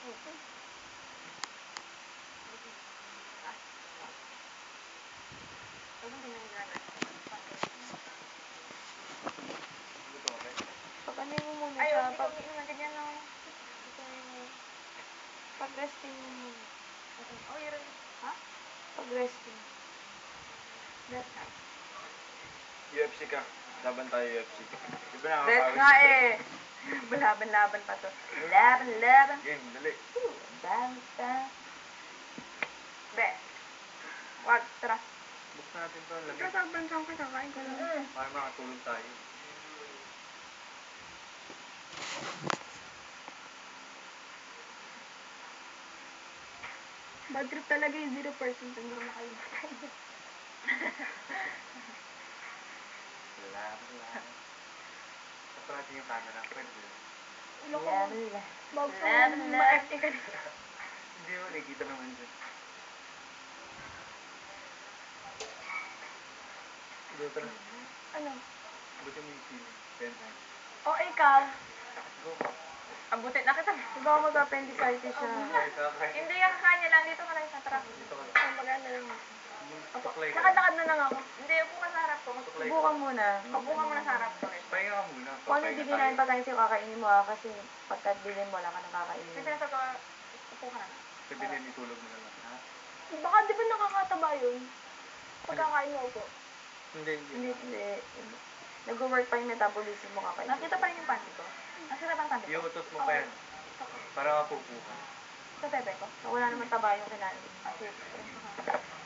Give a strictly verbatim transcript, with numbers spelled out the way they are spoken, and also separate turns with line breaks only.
Pag-anay mo muna
Ay,
siya.
hindi ko umiinom na ganyan, no?
Pag-resting mo muna.
Oh, yun. Ha?
Pag-resting.
Rest time.
U F C ka. Laban tayo U F C. Di ba nakakawis?
Rest nga eh. Laban-laban pa to. Laban-laban.
Game, dali.
Banta. Be. Wag, tara.
Buksan natin to. Lamig.
Ito, sabansang ka, kakain ko lang.
Mm.
Para makatulog tayo.
Bad trip talaga yung zero percent ang mga nakalimutan.
Laban, laban. Tapos natin yung camera. Pwede.
Laban-laban.
Bago sa
Laban-laban.
ma-F A ka dito.
Hindi mo nakikita naman dyan. Ito, tara.
Ano?
Buti mo yung sili. Ten times.
O, ikaw.
Go.
Abutin na kita.
Diba ako mag-appendicitis siya?
Kahit kakay.
Hindi yung kanya lang. Dito ka lang sa truck.
Dito ka.
Ay, mag-ano lang ako.
Tuklay ka.
Lakad-lakad na lang ako.
Hindi, upo ka sa harap ko.
Tuklay
Subukan
ka.
muna.
Upo ka muna sa harap ko.
Pahinga ka muna.
Kung ano
Papahinga
bibigyan
tayo.
pa tayo sa'yo, kakainin mo ah. Kasi pagka bilhin mo, wala ka nang
Kasi
kakainin.
sinasabi ko, upo ka na.
Sabihin, itulog mo na lang. Ha?
Baka di ba nakakataba yun? Pagkakain mo po.
Hindi, hindi.
Hindi, hindi. Nag-work pa yung metabolism mo kakain.
Nakita pa rin yung panty ko. Nakita pa ang panty ko.
Iutot mo pa yan. Para mapupo ka.
Sa bebe ko.
Wala naman taba yung kinain.
Kasi,